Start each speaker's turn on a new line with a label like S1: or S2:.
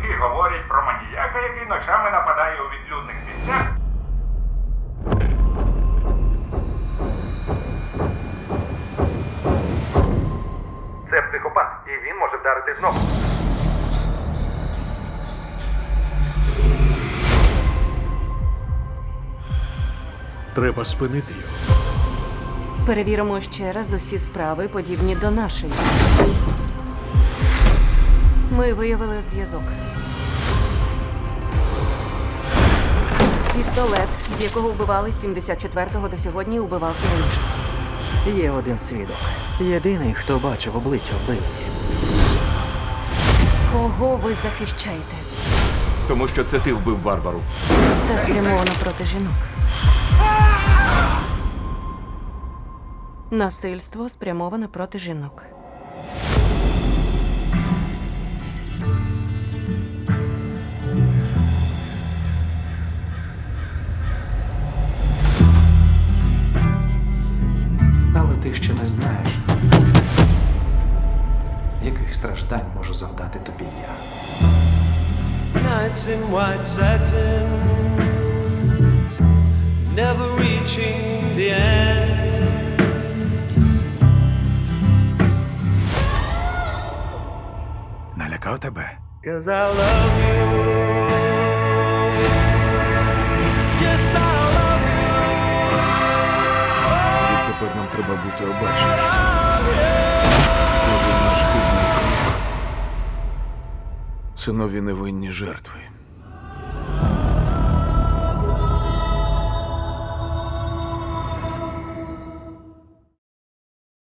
S1: чутки говорять про маніяка, який ночами нападає у відлюдних місцях.
S2: Це психопат, і він може вдарити знову.
S3: Треба спинити його.
S4: Перевіримо ще раз усі справи, подібні до нашої. Ми виявили зв'язок. Пістолет, з якого вбивали з 74-го до сьогодні, убивав і раніше.
S5: Є один свідок. Єдиний, хто бачив обличчя вбивці.
S4: Кого ви захищаєте?
S6: Тому що це ти вбив Барбару.
S4: Це спрямовано проти жінок. Насильство спрямоване проти жінок.
S7: Але ти ще не знаєш, яких страждань можу завдати тобі я.
S8: Nights in white satin, never reaching the end.
S3: Налякав тебе?
S8: 'Cause I love you. Yes, I love
S3: Відтепер нам треба бути обачніші. Кожен наш хибний крок – це нові невинні жертви.